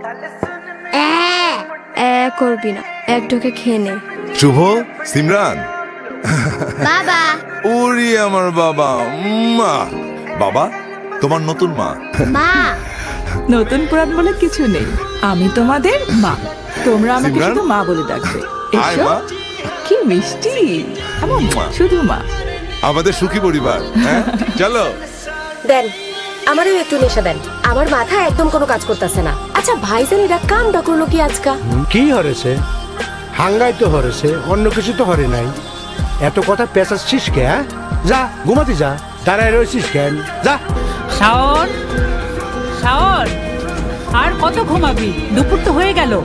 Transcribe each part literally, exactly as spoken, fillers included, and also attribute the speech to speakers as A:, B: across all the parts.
A: এ করবি না, এক ঢোকে খেয়ে নে।
B: শুভ, সিমরান,
A: বাবা।
B: ওরে আমার বাবা, মা। বাবা, তোমার নতুন মা।
A: মা।
C: নতুন পুরান বলে কিছু নেই, আমি তোমাদের মা, তোমরা আমাকে
B: সিমরান?
C: শুধু মা বলে ডাকবে।
B: আয়
C: এসো।
B: মা।
C: কি মিষ্টি, এমন
B: মা।
C: শুধু মা।
B: আমাদের সুখী পরিবার, হ্যাঁ চলো।
D: দেন আমারও একটু নেশা দেন, আমার মাথা একদম কোনো কাজ করতেছে না। আচ্ছা ভাইজান এরা কামটা করলো কি আজকা?
E: কি হরেছে? হাঙ্গাই তো হরেছে, অন্য কিছু তো হরে নাই। এত কথা পেঁচাচ্ছিস কে? হ্যাঁ? যা ঘুমাতে যা, দাঁড়ায় রয়েছিস কেন? যা।
F: শাওন, শাওন, আর কত ঘুমাবি? দুপুর তো হয়ে গেল।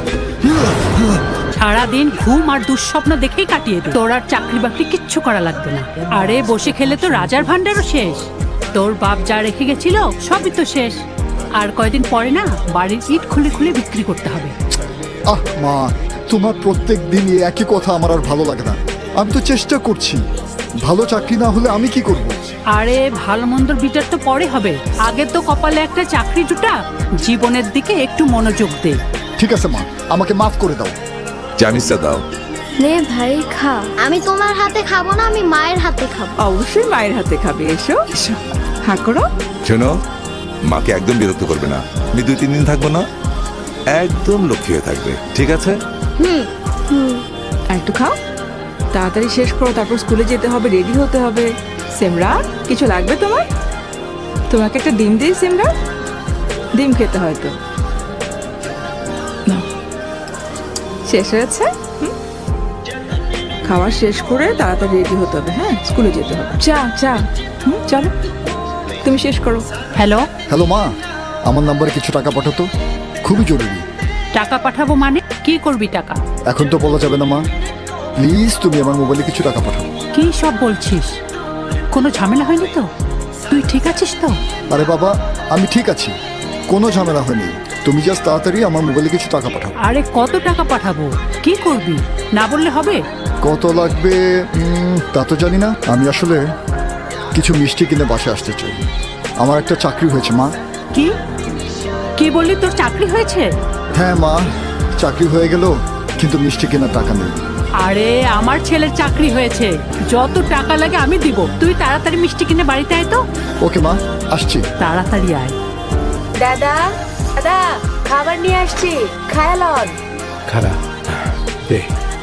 F: সারাদিন ঘুম আর দুঃস্বপ্ন দেখেই কাটিয়ে দে। তোর আর চাকরি বাকরি কিচ্ছু করা লাগবে না। আরে বসে খেলে তো রাজার ভান্ডারও শেষ। তোর বাপ যা রেখে গেছিল সবই তো শেষ। আর কয়দিন পরে না বাড়ির ইট খুলে খুলে বিক্রি করতে হবে।
G: আহ মা, তোমার প্রত্যেক দিনই একই কথা আমার আর ভালো লাগে না। আমি তো চেষ্টা করছি, ভালো চাকরি না হলে আমি কি করব?
F: আরে ভালো মন্দর বিচার তো পরে হবে, আগে তো কপালে একটা চাকরি জুটা। জীবনের দিকে একটু মনোযোগ দে।
G: ঠিক আছে মা, আমাকে মাফ করে দাও।
B: জামিসটা দাও।
A: নে ভাই খা। আমি তোমার হাতে খাবো না, আমি মায়ের হাতে খাবো।
C: অবশ্যই মায়ের হাতে খাবে। এসো এসো, হ্যাঁ করো।
B: শোনো, মাকে একদম বিরক্ত করবে না। আমি দুই তিন দিন থাকবো না, একদম লক্ষ্মী হয়ে থাকবে, ঠিক আছে?
A: হুম হুম।
C: আর একটু খাও, তাড়াতাড়ি শেষ করো, তারপর স্কুলে যেতে হবে, রেডি হতে হবে। সিমরা, কিছু লাগবে তোমার? তোমাকে একটা ডিম দিই সিমরা, ডিম খেতে হয়তো। নাও। শেষ হয়েছে? হুম? খাওয়া শেষ করে তাড়াতাড়ি রেডি হতে হবে, হ্যাঁ স্কুলে যেতে হবে। চা চা হুম চলো, তুমি শেষ করো।
F: হ্যালো,
G: হ্যালো মা, আমার নাম্বারে কিছু টাকা পাঠাতো, খুবই জরুরি।
F: টাকা পাঠাবো মানে? কি করবি টাকা?
G: এখন তো বলা যাবে না মা, প্লিজ তুমি আমার মোবাইলে কিছু টাকা পাঠাও।
F: কি সব বলছিস? কোনো ঝামেলা হয়নি তো? তুই ঠিক আছিস তো?
G: আরে বাবা, আমি ঠিক আছি, কোনো ঝামেলা হয়নি। তুমি জাস্ট তাড়াতাড়ি আমার মোবাইলে কিছু টাকা পাঠাও।
F: আরে কত টাকা পাঠাবো? কি করবি? না বললে হবে?
G: কত লাগবে উম, তা তো জানি না। আমি আসলে কিছু মিষ্টি কিনে বাসে আসতে চাই। আমার একটা চাকরি হয়েছে মা।
F: কি কি বললি, তোর চাকরি হয়েছে?
G: হ্যাঁ মা, চাকরি হয়ে গেল, কিন্তু মিষ্টি কেনার টাকা নেই।
F: আরে আমার ছেলের চাকরি হয়েছে, যত টাকা লাগে আমি দিব। তুই তাড়াতাড়ি মিষ্টি কিনে বাড়িতে আয় তো।
G: ওকে মা, আসছি।
F: তাড়াতাড়ি আয়।
D: দাদা দাদা খাবার নিয়ে আসছি, খায়ালন।
E: খারাপ দে,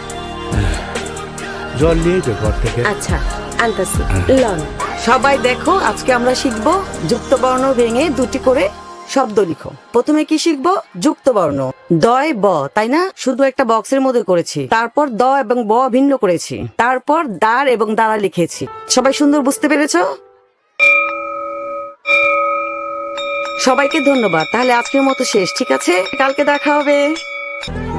E: জল নিয়ে যে ঘর থেকে।
D: আচ্ছা আনতাছি, লন।
H: সবাই দেখো, আজকে আমরা শিখব যুক্ত বর্ণ ভেঙে দুটি করে শব্দ লিখো। প্রথমে কি শিখবো? যুক্ত বর্ণ। দয় ব, তাই না? শুধু একটা বক্সের মধ্যে করেছি। তারপর দ এবং ব ভিন্ন করেছি। তারপর দাঁড় এবং দাঁড়া লিখেছি। সবাই সুন্দর বুঝতে পেরেছো? সবাইকে ধন্যবাদ। তাহলে আজকের মতো শেষ, ঠিক আছে? কালকে দেখা হবে।